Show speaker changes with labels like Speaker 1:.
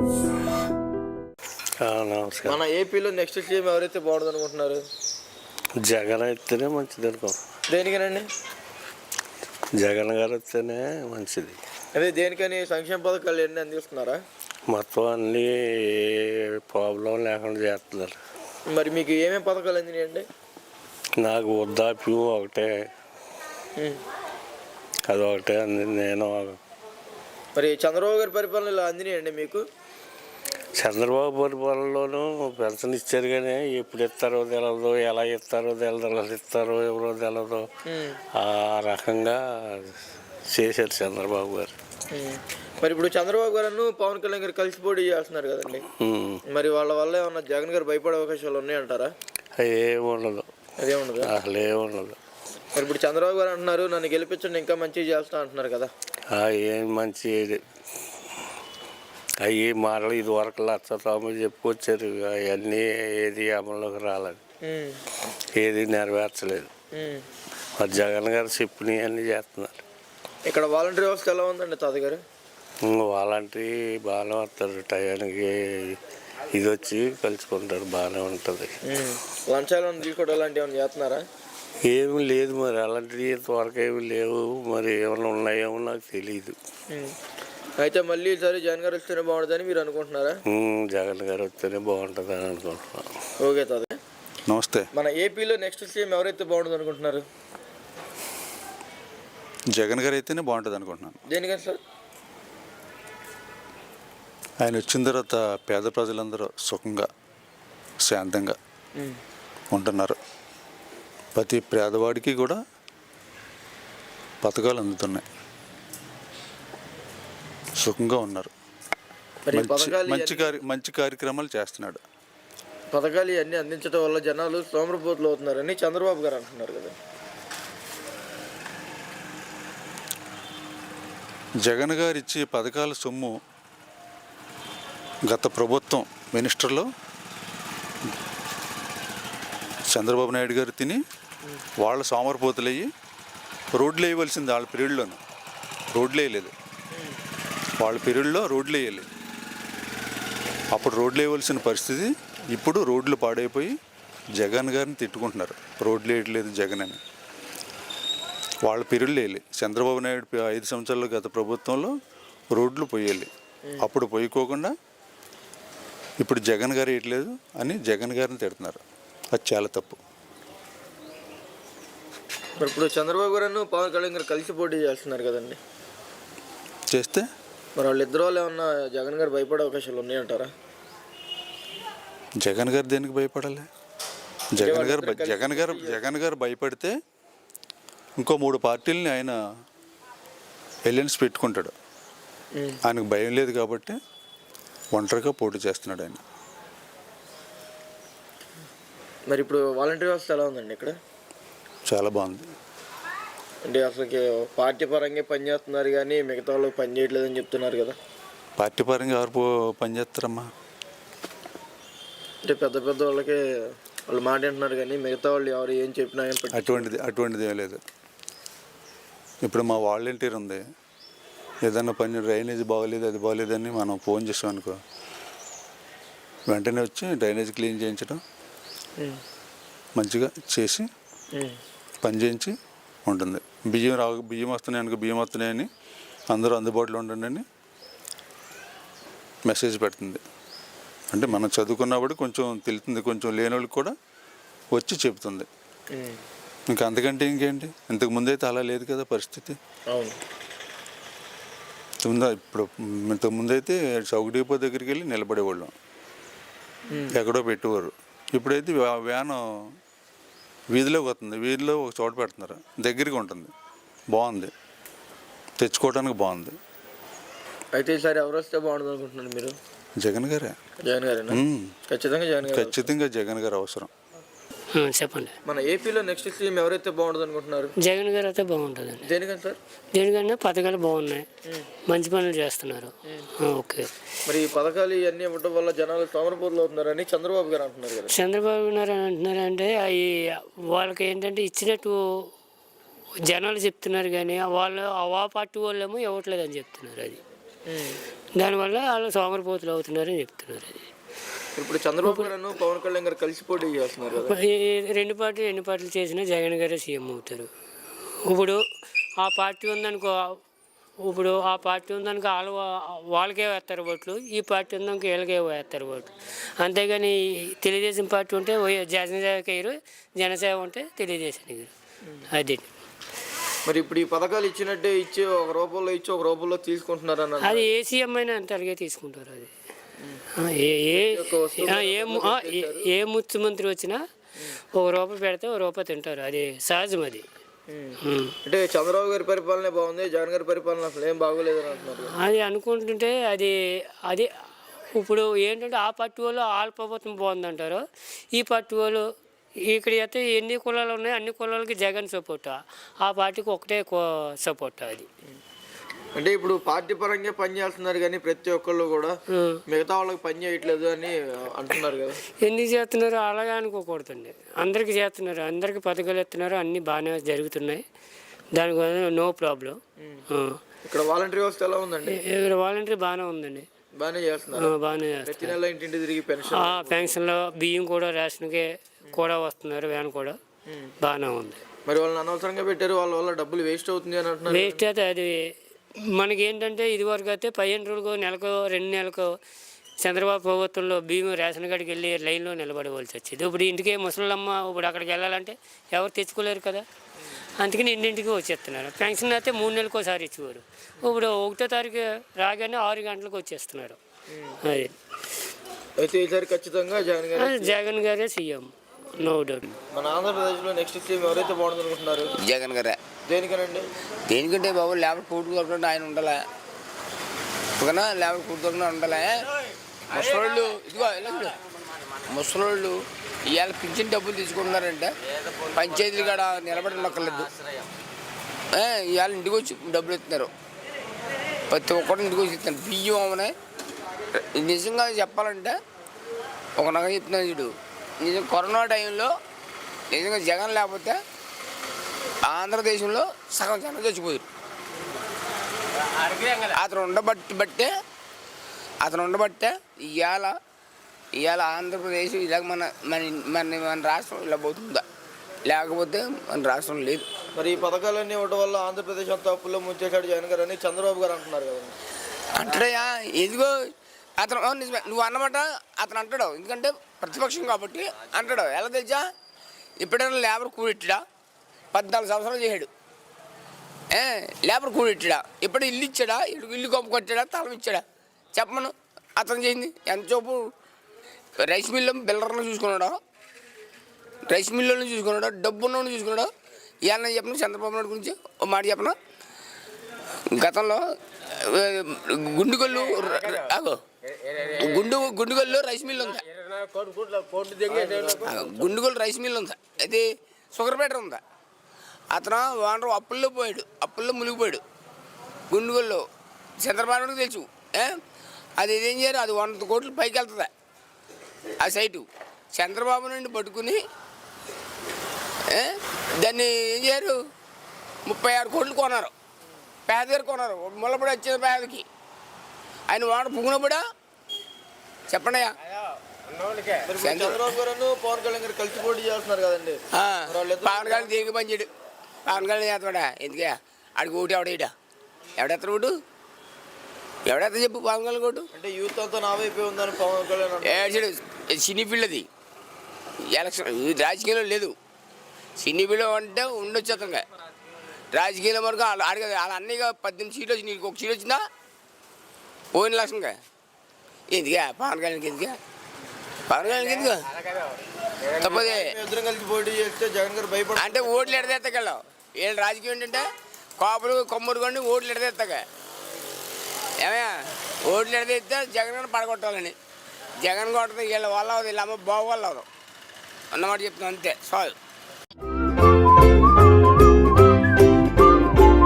Speaker 1: నమస్కారం.
Speaker 2: మన ఏపీలో నెక్స్ట్ సీఎం ఎవరైతే బాగుంటుంది అనుకుంటున్నారు?
Speaker 1: జగన్ అయితేనే మంచిది అనుకో.
Speaker 2: దేనికనండి?
Speaker 1: జగన్ గారు వస్తేనే మంచిది.
Speaker 2: అదే దేనికని? సంక్షేమ పథకాలు ఎన్ని అందిస్తున్నారా?
Speaker 1: మొత్తం అన్నీ ప్రాబ్లం లేకుండా చేస్తున్నారు.
Speaker 2: మరి మీకు ఏమేమి పథకాలు అందినాయండి?
Speaker 1: నాకు వృద్ధాప్యం ఒకటే, అదొకటే అందింది. నేను
Speaker 2: మరి చంద్రబాబు గారి పరిపాలన ఇలా అందినాయండి మీకు?
Speaker 1: చంద్రబాబు పరిపాలనలోనూ పెన్షన్ ఇచ్చారు, కానీ ఎప్పుడు ఇస్తారో తెలదు, ఎలా ఇస్తారో తెలదు, ఎలా ఇస్తారో ఎవరో తెలదు. ఆ రకంగా చేశారు చంద్రబాబు గారు.
Speaker 2: మరి ఇప్పుడు చంద్రబాబు గారు పవన్ కళ్యాణ్ గారు కలిసి పోటీ చేస్తున్నారు కదండి, మరి వాళ్ళ వల్ల ఏమన్నా జగన్ గారు భయపడే అవకాశాలు ఉన్నాయంటారా?
Speaker 1: ఏముండదు,
Speaker 2: అదేముండదు,
Speaker 1: అసలు ఏముండదు.
Speaker 2: మరి ఇప్పుడు చంద్రబాబు గారు అంటున్నారు నన్ను గెలిపించండి ఇంకా మంచిగా చేస్తా అంటున్నారు కదా.
Speaker 1: ఏం మంచి అవి మాటలు ఇది వరకు లక్షతోమలు చెప్పుకొచ్చారు, అవన్నీ ఏది అమల్లోకి రాలేదు, ఏది నెరవేర్చలేదు. మరి జగన్ గారు చెప్పినవి అన్నీ చేస్తున్నారు.
Speaker 2: ఇక్కడ వాలంటీర్ వ్యవస్థ ఎలా ఉందండి తాత గారు?
Speaker 1: వాలంటీర్ బాగానే వస్తారు, టయానికి ఇది వచ్చి కలుసుకుంటారు, బాగానే ఉంటుంది.
Speaker 2: లంచాలు తీసుకోవడం అలాంటివి ఏమైనా చేస్తున్నారా?
Speaker 1: ఏమి లేదు, మరి అలాంటివి ఇంతవరకు ఏమి లేవు. మరి ఏమైనా ఉన్నాయేమో నాకు తెలియదు.
Speaker 2: అయితే మళ్ళీ ఈసారి జగన్ గారు వస్తేనే బాగుంటుందని మీరు అనుకుంటున్నారా?
Speaker 1: జగన్ గారు వస్తేనే బాగుంటుంది అని అనుకుంటున్నాను.
Speaker 2: ఓకే తాత.
Speaker 3: నమస్తే.
Speaker 2: మన ఏపీలో నెక్స్ట్ సీఎం ఎవరైతే బాగుంటుంది అనుకుంటున్నారు?
Speaker 3: జగన్ గారు అయితేనే బాగుంటుంది అనుకుంటున్నాను.
Speaker 2: దేనికని సార్?
Speaker 3: ఆయన వచ్చిన తర్వాత పేద ప్రజలందరూ సుఖంగా శాంతంగా ఉంటున్నారు. ప్రతి పేదవాడికి కూడా పథకాలు అందుతున్నాయి, సుఖంగా ఉన్నారు. మంచి కార్యక్రమాలు చేస్తున్నాడు.
Speaker 2: పథకాలు ఇవన్నీ అందించడం వల్ల జనాలు సోమరపోతులు అవుతున్నారని చంద్రబాబు గారు అంటున్నారు కదా.
Speaker 3: జగన్ గారు ఇచ్చే పథకాల సొమ్ము గత ప్రభుత్వం మినిస్టర్లో చంద్రబాబు నాయుడు గారు తిని వాళ్ళ సోమరపోతులయ్యి రోడ్లు వేయవలసింది. వాళ్ళ పీరియడ్లోనూ రోడ్లు వేయలేదు, వాళ్ళ పీరియడ్లో రోడ్లు వేయాలి. అప్పుడు రోడ్లు వేయవలసిన పరిస్థితి, ఇప్పుడు రోడ్లు పాడైపోయి జగన్ గారిని తిట్టుకుంటున్నారు, రోడ్లు వేయట్లేదు జగన్ అని. వాళ్ళ పీరియడ్లు వేయాలి. చంద్రబాబు నాయుడు 5 సంవత్సరాలు గత ప్రభుత్వంలో రోడ్లు పోయాలి, అప్పుడు పోయికోకుండా ఇప్పుడు జగన్ గారు వేయట్లేదు అని జగన్ గారిని తిడుతున్నారు. అది చాలా తప్పు.
Speaker 2: ఇప్పుడు చంద్రబాబు గారు పవన్ కళ్యాణ్ గారు కలిసి పోటీ చేస్తున్నారు కదండి,
Speaker 3: చేస్తే
Speaker 2: మరి వాళ్ళిద్దరు వాళ్ళు ఏమన్నా జగన్ గారు భయపడే అవకాశాలు ఉన్నాయంటారా?
Speaker 3: జగన్ గారు దేనికి భయపడాలి? జగన్ గారు భయపడితే ఇంకో 3 పార్టీలని ఆయన ఎలియన్స్ పెట్టుకుంటాడు. ఆయనకు భయం లేదు కాబట్టి ఒంటరిగా పోటీ చేస్తున్నాడు ఆయన.
Speaker 2: మరి ఇప్పుడు వాలంటీర్ వ్యవస్థ ఎలా ఉందండి ఇక్కడ?
Speaker 3: చాలా బాగుంది.
Speaker 2: అంటే అసలుకి పార్టీ పరంగా పనిచేస్తున్నారు కానీ మిగతా వాళ్ళు పని చేయట్లేదని చెప్తున్నారు కదా.
Speaker 3: పార్టీ పరంగా ఎవరు పనిచేస్తారమ్మా?
Speaker 2: అంటే పెద్ద పెద్ద వాళ్ళకి వాళ్ళు మాట అంటున్నారు కానీ మిగతా వాళ్ళు ఎవరు ఏం చెప్పినా
Speaker 3: అటువంటిది ఏం లేదు. ఇప్పుడు మా వాలంటీర్ ఉంది, ఏదన్నా పని డ్రైనేజ్ బాగోలేదు అది బాగోలేదని మనం ఫోన్ చేసాం అనుకో, వెంటనే వచ్చి డ్రైనేజ్ క్లీన్ చేయించడం, మంచిగా చేసి పని చేయించి ఉంటుంది. బియ్యం వస్తున్నాయి అనుకో, బియ్యం వస్తున్నాయని అందరూ అందుబాటులో ఉండండి అని మెసేజ్ పెడుతుంది. అంటే మనం చదువుకున్నప్పుడు కొంచెం తెలుస్తుంది, కొంచెం లేని వాళ్ళకి కూడా వచ్చి చెబుతుంది. ఇంకా అంతకంటే ఇంకేంటి? ఇంతకు ముందైతే అలా లేదు కదా పరిస్థితి. ఇప్పుడు ఇంతకు ముందైతే చౌక డిపో దగ్గరికి వెళ్ళి నిలబడేవాళ్ళం, ఎక్కడో పెట్టేవారు. ఇప్పుడైతే వ్యాను వీధిలోకి వస్తుంది, వీధిలో ఒక చోట పెడుతున్నారు, దగ్గరికి ఉంటుంది, బాగుంది, తెచ్చుకోవడానికి బాగుంది.
Speaker 2: అయితే ఈసారి ఎవరు వస్తే బాగుంటుంది అనుకుంటున్నారు మీరు?
Speaker 3: జగన్ గారే. ఖచ్చితంగా జగన్ గారు అవసరం.
Speaker 4: చెప్పండి.
Speaker 2: మన ఏపీలో నెక్స్ట్ సీఎం ఎవరైతే బాగుంటుంది అనుకుంటున్నారు?
Speaker 4: జగన్ గారు అయితే బాగుంటుందండి.
Speaker 2: దేనికని సార్?
Speaker 4: దేనికన్నా పథకాలు బాగున్నాయి, మంచి పనులు చేస్తున్నారు. ఓకే.
Speaker 2: మరి ఈ పథకాలు ఇవన్నీ ఇవ్వడం వల్ల జనాలు సోమరపోతులు అవుతున్నారని చంద్రబాబు గారు అంటున్నారు కదా.
Speaker 4: చంద్రబాబు గారు అంటున్నారంటే అవి వాళ్ళకి ఏంటంటే ఇచ్చినట్టు జనాలు చెప్తున్నారు, కానీ వాళ్ళు ఆ పార్టీ వాళ్ళేమో ఇవ్వట్లేదని చెప్తున్నారు. అది దానివల్ల వాళ్ళు సోమరిపోతులు అవుతున్నారని చెప్తున్నారు. అది
Speaker 2: ఇప్పుడు చంద్రబాబు గారు పవన్ కళ్యాణ్ గారు కలిసి పోటీ చేస్తున్నారు కదా.
Speaker 4: రెండు పార్టీలు చేసినా జగన్ గారే సీఎం అవుతారు. ఇప్పుడు ఆ పార్టీ ఉందనుకో, వాళ్ళకే వేస్తారు ఓట్లు, ఈ పార్టీ ఉందనుకో వీళ్ళకే వేస్తారు ఓట్లు. అంతేగాని తెలుగుదేశం పార్టీ ఉంటే జనసేవకి వేయరు, జనసేవ ఉంటే తెలుగుదేశం వేయరు. అది
Speaker 2: మరి ఇప్పుడు ఈ పథకాలు ఇచ్చినట్టే ఇచ్చి ఒక రూపంలో ఇచ్చి ఒక రూపంలో తీసుకుంటున్నారు అన్న.
Speaker 4: అది ఏ సీఎం అయినా అంత అలాగే తీసుకుంటారు. అది ఏ ముఖ్యమంత్రి వచ్చినా ఒక రూపాయి పెడితే ఒక రూపాయి తింటారు. అది సహజం. అది
Speaker 2: అంటే చంద్రబాబు గారి పరిపాలన బాగుంది, జగన్ గారి పరిపాలన అసలు ఏం బాగోలేదు అని అంటున్నారు.
Speaker 4: అది అనుకుంటుంటే అది ఇప్పుడు ఏంటంటే ఆ పార్టీ వాళ్ళు వాళ్ళ ప్రభుత్వం బాగుందంటారు, ఈ పార్టీ వాళ్ళు ఇక్కడ అయితే ఎన్ని కులాలు ఉన్నాయి అన్ని కులాలకి జగన్ సపోర్ట్, ఆ పార్టీకి ఒకటే సపోర్ట్. అది
Speaker 2: అంటే ఇప్పుడు పార్టీ పరంగా పని చేస్తున్నారు కానీ ప్రతి ఒక్కళ్ళు కూడా మిగతా వాళ్ళకి పని చేయట్లేదు అని అంటున్నారు కదా.
Speaker 4: ఎందుకు చేస్తున్నారు అలాగే అనుకోకూడదండి. అందరికీ చేస్తున్నారు, అందరికీ పథకాలు ఇస్తున్నారు, అన్నీ బాగానే జరుగుతున్నాయి. దానివల్ల నో ప్రాబ్లం.
Speaker 2: ఇక్కడ వాలంటరీ వ్యవస్థ ఎలా ఉందండి?
Speaker 4: ఇక్కడ వాలంటరీ బాగానే ఉందండి, బాగానే చేస్తున్నారు.
Speaker 2: ప్రతి నెల ఇంటింటి తిరిగి
Speaker 4: పెన్షన్లో బియ్యం కూడా రేషన్కి కూడా వస్తున్నారు, వ్యాన్ కూడా బాగానే ఉంది.
Speaker 2: మరి వాళ్ళని అనవసరంగా పెట్టారు, వాళ్ళ వల్ల డబ్బులు వేస్ట్ అవుతుంది అని అంటున్నారు.
Speaker 4: వేస్ట్ అయితే అది మనకి ఏంటంటే ఇదివరకు అయితే 15 రోజులకు నెలకు 2 నెలలకు చంద్రబాబు ప్రభుత్వంలో బియ్యం రేషన్ కాడికి వెళ్ళి లైన్లో నిలబడవలసి వచ్చేది. ఇప్పుడు ఇంటికి ముసలమ్మ ఇప్పుడు అక్కడికి వెళ్ళాలంటే ఎవరు తెచ్చుకోలేరు కదా, అందుకని ఇంటింటికి వచ్చేస్తున్నారు. పెన్షన్ అయితే 3 నెలలకు ఒకసారి ఇచ్చేవారు, ఇప్పుడు 1వ తారీఖు రాగానే 6 గంటలకు వచ్చేస్తున్నారు. అది
Speaker 2: అయితే ఈసారి ఖచ్చితంగా
Speaker 4: జగన్ గారే సీఎం, నో డౌట్.
Speaker 2: మన ఆంధ్రప్రదేశ్లో నెక్స్ట్ సీఎం ఎవరైతే బాగుంది అనుకుంటున్నారు?
Speaker 5: జగన్ గారే.
Speaker 2: దేనికనండి?
Speaker 5: దేనికంటే బాబు లేబర్ కూటు దొరకకుండా ఆయన ఉండాలి, ఓకేనా? లేబర్ కూటు దొరకకుండా ఉండాలి. ముసలోళ్ళు ఇదిగో ముసలోళ్ళు ఇవాళ పింఛన్ డబ్బులు తీసుకుంటున్నారంటే పంచాయతీలు కాడ నిలబడి నొక్కలేదు. ఇవాళ ఇంటికి వచ్చి డబ్బులు ఇస్తున్నారు, ప్రతి ఒక్కరు ఇంటికి వచ్చి ఇస్తున్నారు. బియ్యం అవనే నిజంగా చెప్పాలంటే ఒక నగ చెప్తున్నాను చూడు, నిజం కరోనా టైంలో నిజంగా జగన్ లేకపోతే ఆంధ్రదేశంలో సగం జనం చచ్చిపోయారు. అతను ఉండబట్టే ఇవాళ ఆంధ్రప్రదేశ్ ఇలాగ మన రాష్ట్రం ఇలా పోతుందా, లేకపోతే మన రాష్ట్రం లేదు.
Speaker 2: మరి ఈ పథకాలన్నీ ఇవ్వడం వల్ల ఆంధ్రప్రదేశ్ అంతా అప్పుల్లో ముంచేశాడు జగన్ గారు అని చంద్రబాబు గారు అంటున్నారు కదా.
Speaker 5: అంటాడయా, ఎదిగో అతను నిజమే నువ్వు అన్నమాట అతను అంటాడు, ఎందుకంటే ప్రతిపక్షం కాబట్టి అంటాడు. ఎలా తెలుసా, ఎప్పుడైనా లేబర్ కూడెట్టాడా? 14 సంవత్సరాలు చేశాడు, లేబర్ కూడెట్టాడా? ఎప్పుడు ఇల్లు ఇచ్చాడా? ఇల్లు కొమ్ము కొట్టాడా? తలం ఇచ్చాడా? చెప్పమను. అతను చేయింది ఎంతసేపు రైస్ మిల్లు బిల్డర్లను చూసుకున్నాడు, రైస్ మిల్లులను చూసుకున్నాడు, డబ్బున్నోని చూసుకున్నాడు. ఇవాళ చెప్పను చంద్రబాబు నాయుడు గురించి ఓ మాట చెప్పను. గతంలో గుండుగోల్లో రైస్ మిల్ ఉందా? గుండుగోలు రైస్ మిల్ ఉందా? అది షుగర్ ఫ్యాక్టరీ ఉందా? అతను ఓనర్ అప్పుల్లో మునిగిపోయాడు గుండుగోల్లో. చంద్రబాబు నాయుడుకి తెలుసు. అది ఏం చేయరు, అది 100 కోట్లు పైకి వెళ్తుందా ఆ సైటు. చంద్రబాబు నుండి పట్టుకుని దాన్ని ఏం చేయరు, 36 కోట్లు కొన్నారు, పేదగారు కొన్నారు. ముళ్ళపడి వచ్చిన పేదకి ఆయన వాడు పుంగునప్పుడా చెప్పండియా.
Speaker 2: చంద్రబాబు గారు పవన్ కళ్యాణ్ గారు కలిసి పోటీ చేస్తున్నారు కదండి.
Speaker 5: పవన్ కళ్యాణ్ దేనికి పని చేయడు, పవన్ కళ్యాణ్ చేస్తాడా? ఎందుకే ఆడికి ఓటు ఎవడెత్తారు ఓటు? ఎవడెత్తా చెప్పు పవన్ కళ్యాణ్ ఓటు?
Speaker 2: అంటే యూత్ అంతా నా వైపే ఉందని పవన్ కళ్యాణ్
Speaker 5: ఏడు సినీ ఫీల్డ్ అది. ఎలక్షన్ రాజకీయంలో లేదు. సినీ ఫీల్డ్ అంటే ఉండొచ్చు అతనిగా. రాజకీయాల వరకు అడిగదు. వాళ్ళ అన్నయ్యగా 18 సీట్లు వచ్చి నీకు 1 సీట్ వచ్చిందా? పోయిన లక్షంగా ఎందుకే పవన్ కళ్యాణ్కి? ఎందుకే పవన్ కళ్యాణ్కి ఎందుకు తప్పదే?
Speaker 2: ఇద్దరం కలిసి పోటీ చేస్తే జగన్ గారు భయపడ
Speaker 5: అంటే ఓట్లు ఎడతెత్తగలవు. వీళ్ళు రాజకీయం ఏంటంటే కాపులు కొమ్మరు కొన్ని ఓట్లు ఎడతెత్తగా. ఏమయ్యా ఓట్లు ఎడతెత్తే జగన్ గారిని పడగొట్టాలని. జగన్ కొట్టదు వీళ్ళ వల్ల వీళ్ళ అమ్మ బాగు వల్ల అన్నమాట చెప్తున్నాను, అంతే. సాల్వ్.